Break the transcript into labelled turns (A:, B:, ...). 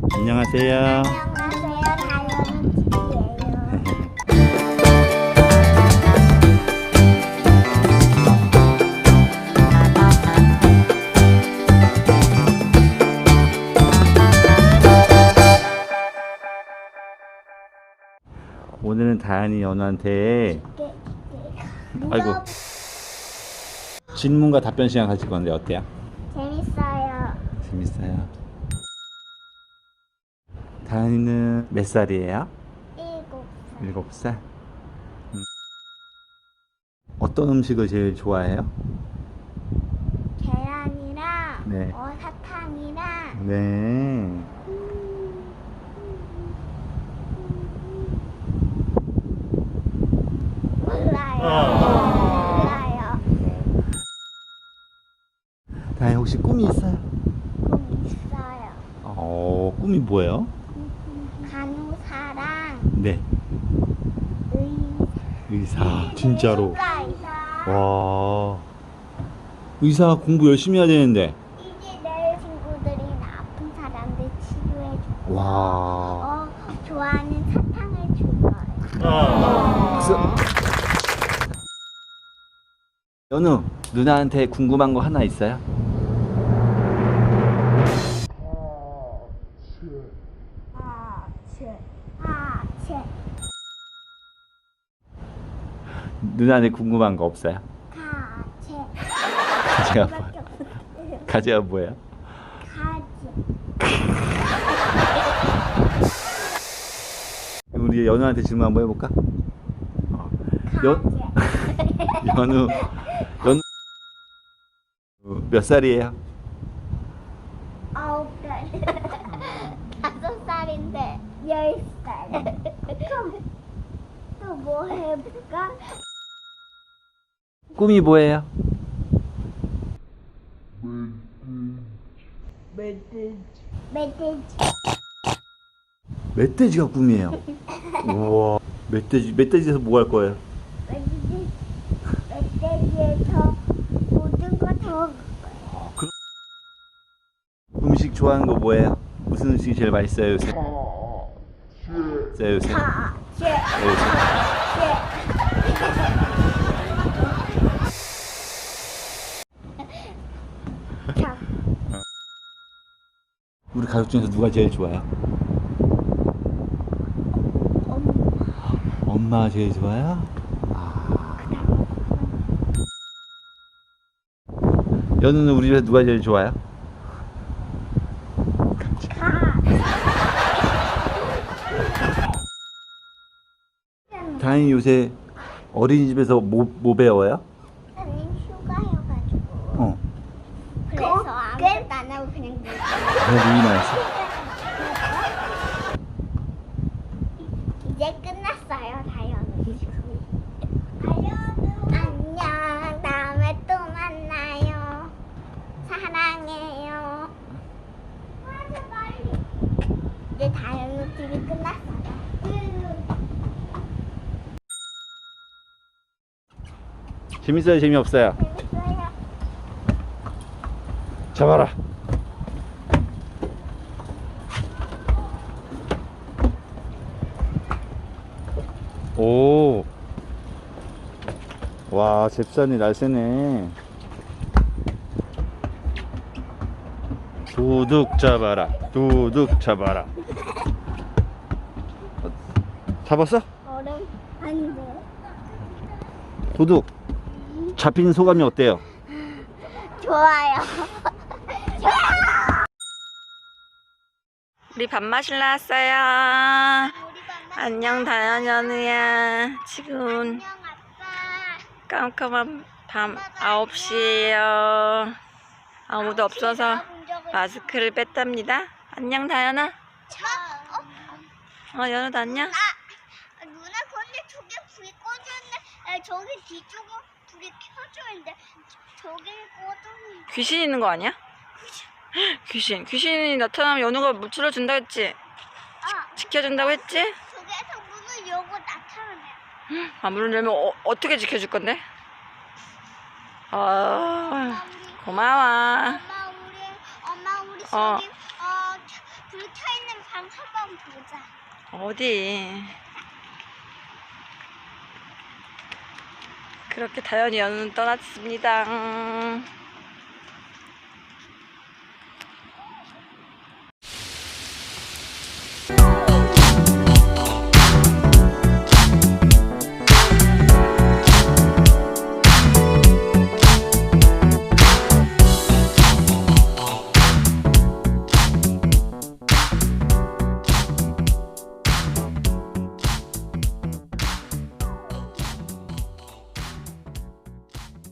A: 안녕하세요.
B: 안녕하세요. 다이어는 TV예요.
A: 오늘은 다현이 연우한테 아이고 질문과 답변 시간 가질 건데 어때요?
B: 재밌어요.
A: 재밌어요. 다현이는 몇 살이에요?
B: 7살.
A: 7살? 어떤 음식을 제일 좋아해요?
B: 계란이랑
A: 네.
B: 사탕이랑
A: 네.
B: 몰라요.
A: 다현이 혹시 꿈이 있어요?
B: 꿈 있어요.
A: 꿈이 뭐예요?
B: 간호사랑
A: 네. 의사. 진짜로.
B: 의사.
A: 와. 의사 공부 열심히 해야 되는데.
B: 이제 내 친구들이나 아픈 사람들 치료해주고
A: 와.
B: 좋아하는 사탕을 줄 거예요.
A: 박수. 연우, 누나한테 궁금한 거 하나 있어요? 누나한테 궁금한 거 없어요? 가지가 뭐야? 가지가 뭐예요? 우리 연우한테 질문 한번 해볼까? 연우 몇 살이에요?
B: 9살. 5살인데 10살. 그럼 또 뭐 해볼까?
A: 꿈이 뭐예요?
B: 멧돼지.
A: 멧돼지가 꿈이에요. 우와. 멧돼지에서 뭐 할 거예요?
B: 멧돼지에서 모든 거 더.
A: 음식 좋아하는 거 뭐예요? 무슨 음식이 제일 맛있어요 요새? 요새? 우리 가족 중에서 누가 제일 좋아요? 엄마 제일 좋아요? 연우는 우리 집에서 누가 제일 좋아요? 다행히 요새 어린이집에서 뭐 배워요?
B: 아니 휴가여가지고. 그래서 아무것도 안 하고 그냥
A: 누이나 했어?
B: 이제 끝났어요. 다이어는 지금. 안녕. 다음에 또 만나요. 사랑해요. 이제 다이어는 지금 끝났어요.
A: 재밌어요? 재미없어요?
B: 재밌어요.
A: 잡아라. 오. 와, 잽산이 날쌔네. 도둑 잡아라. 도둑 잡아라. 잡았어?
B: 얼음 아닌데.
A: 도둑. 잡힌 소감이 어때요?
B: 좋아요.
C: 우리 밥 마실러 왔어요. 안녕 다현 연우야. 지금 깜깜한 밤 9시에요 아무도 없어서 마스크를 뺐답니다. 안녕 다현아. 연우도 안녕.
B: 누나 근데 저기 불이 꺼졌는데 저기 뒤쪽은 불이 켜져 있는데 저기 꺼졌는데.
C: 귀신 있는 거 아니야? 귀신이 나타나면 연우가 물 틀어준다 했지? 지켜준다고 했지?
B: 저기에서 문을 열고 나타나네요.
C: 문을 열면 어떻게 지켜줄 건데? 고마워.
B: 엄마 우리 저기 불 켜 있는 방 한번 보자.
C: 어디? 그렇게 다현이 연우는 떠났습니다.